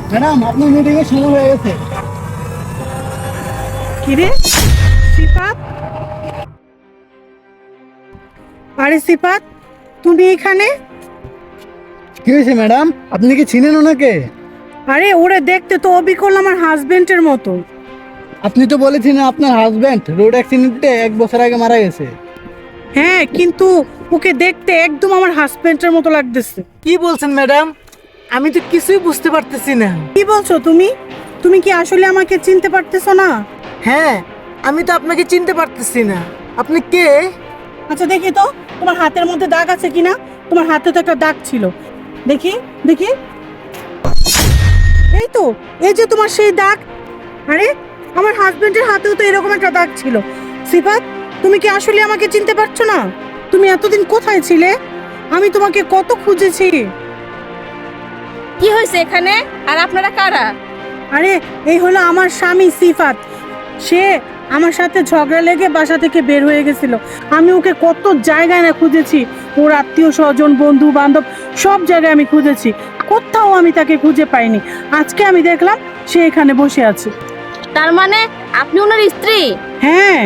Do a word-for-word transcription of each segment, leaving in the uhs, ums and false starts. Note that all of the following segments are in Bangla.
ম্যাডাম আপনার মিটিং এর সময় হয়ে গেছে। কিরে সিফাত, আরে সিফাত তুমি এখানে? কি হয়েছে ম্যাডাম, আপনি কি চিনেন ওনাকে? আরে ওরে দেখতে তো অবিকল আমার হাজবেন্ডের মতো। আপনি তো বলেছিলেন আপনার হাজবেন্ড রোড অ্যাক্সিডেন্টে এক বছর আগে মারা গেছে। হ্যাঁ, কিন্তু ওকে দেখতে একদম আমার হাজবেন্ডের মতো লাগতেছে। কি বলছেন ম্যাডাম? আমি তো কিছুই বুঝতে পারতেছি না। কি বলছো তুমি? তুমি কি আসলে আমাকে চিনতে পারতেছো না? হ্যাঁ, আমি তো আপনাকে চিনতে পারতেছি না। আপনি কে? আচ্ছা দেখি তো তোমার হাতের মধ্যে দাগ আছে কিনা। তোমার হাতে তো একটা দাগ ছিল, দেখি দেখি। এই তো, এই যে তোমার সেই দাগ। আরে আমার হাজবেন্ডের হাতেও তো এরকম একটা দাগ ছিল। সিফাত, তুমি কি আসলে আমাকে চিনতে পারছো না? তুমি এতদিন কোথায় ছিলে? আমি তোমাকে কত খুঁজেছি। কি হয়েছে এখানে? আর আপনারা কারা? আরে এই হলো আমার স্বামী সিফাত। সে আমার সাথে ঝগড়া লেগে বাসা থেকে বের হয়ে গেছিল। আমি ওকে কত জায়গায় না খুঁজেছি, ওর আত্মীয় স্বজন বন্ধু বান্ধব সব জায়গায় আমি খুঁজেছি, কোথাও আমি তাকে খুঁজে পাইনি। আজকে আমি দেখলাম সে এখানে বসে আছে। তার মানে আপনি ওনার স্ত্রী? হ্যাঁ।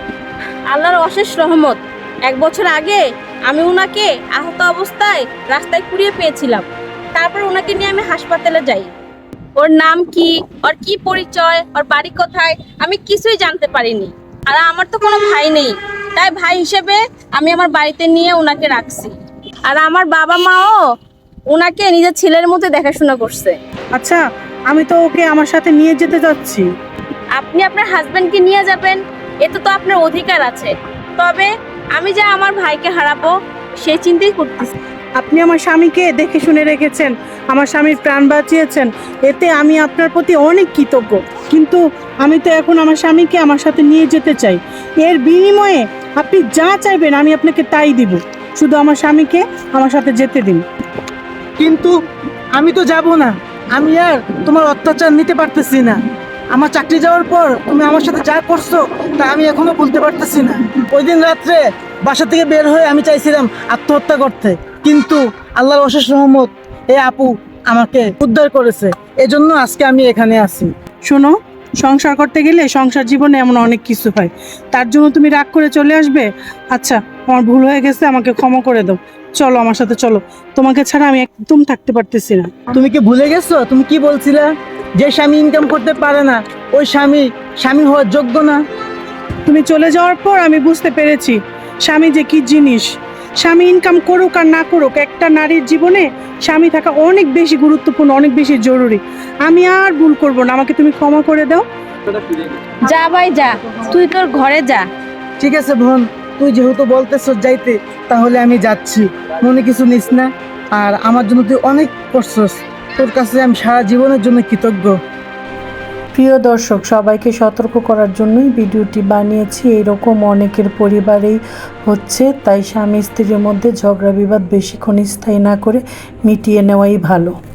আল্লাহর অশেষ রহমত, এক বছর আগে আমি ওনাকে আহত অবস্থায় রাস্তায় কুড়িয়ে পেয়েছিলাম। তারপর ওনাকে নিয়ে আমি হাসপাতালে যাই। ওর নাম কি, ওর কি পরিচয়, ওর বাড়ি কোথায়, আমি কিছুই জানতে পারিনি। আর আমার তো কোনো ভাই নেই, তাই ভাই হিসেবে আমি আমার বাড়িতে নিয়ে ওনাকে রাখছি। আর আমার বাবা মাও ওনাকে নিজের ছেলের মতো দেখাশোনা করছে। আচ্ছা, আমি তো ওকে আমার সাথে নিয়ে যেতে যাচ্ছি। আপনি আপনার হাজবেন্ডকে নিয়ে যাবেন, এতে তো আপনার অধিকার আছে। তবে আমি যে আমার ভাইকে হারাবো সেই চিন্তাই করতেছি। আপনি আমার স্বামীকে দেখে শুনে রেখেছেন, আমার স্বামীর প্রাণ বাঁচিয়েছেন, এতে আমি আপনার প্রতি অনেক কৃতজ্ঞ। কিন্তু আমি তো এখন আমার স্বামীকে আমার সাথে নিয়ে যেতে চাই। এর বিনিময়ে আপনি যা চাইবেন আমি আপনাকে তাই দিব, শুধু আমার স্বামীকে আমার সাথে যেতে দিন। কিন্তু আমি তো যাব না। আমি আর তোমার অত্যাচার নিতে পারতেছি না। আমার চাকরি যাওয়ার পর তুমি আমার সাথে যা করছো তা আমি এখনো বলতে পারতেছি না। ওই দিন রাত্রে বাসা থেকে বের হয়ে আমি চাইছিলাম আত্মহত্যা করতে, কিন্তু আল্লাহর অশেষ রহমত এই আপু আমাকে উদ্ধার করেছে। এজন্য আজকে আমি এখানে আছি। শোনো, সংসার করতে গেলে সংসার জীবনে এমন অনেক কিছু হয়, তার জন্য তুমি রাগ করে চলে আসবে? আচ্ছা, আমার ভুল হয়ে গেছে, আমাকে ক্ষমা করে দাও। চলো আমার সাথে চলো, তোমাকে ছাড়া আমি একদম থাকতে পারতেছি না। তুমি কি ভুলে গেছো? তুমি কি বলছিলা যে স্বামী ইনকাম করতে পারে না ওই স্বামী স্বামী হওয়ার যোগ্য না? তুমি চলে যাওয়ার পর আমি বুঝতে পেরেছি স্বামী যে কি জিনিস। স্বামী ইনকাম করুক আর না করুক, একটা নারীর জীবনে স্বামী থাকা অনেক বেশি গুরুত্বপূর্ণ, অনেক বেশি জরুরি। আমি আর ভুল করব না, আমাকে তুমি ক্ষমা করে দাও। যা ভাই যা, তুই তোর ঘরে যা। ঠিক আছে বোন, তুই যেহেতু বলতেছ যাইতে, তাহলে আমি যাচ্ছি। মনে কিছু নিস না। আর আমার জন্য তুই অনেক করছস, তোর কাছে আমি সারা জীবনের জন্য কৃতজ্ঞ। প্রিয় দর্শক, সবাইকে সতর্ক করার জন্যই ভিডিওটি বানিয়েছি। এরকম অনেকের পরিবারেই হচ্ছে, তাই স্বামী স্ত্রীর মধ্যে ঝগড়া বিবাদ বেশিক্ষণ স্থায়ী না করে মিটিয়ে নেওয়াই ভালো।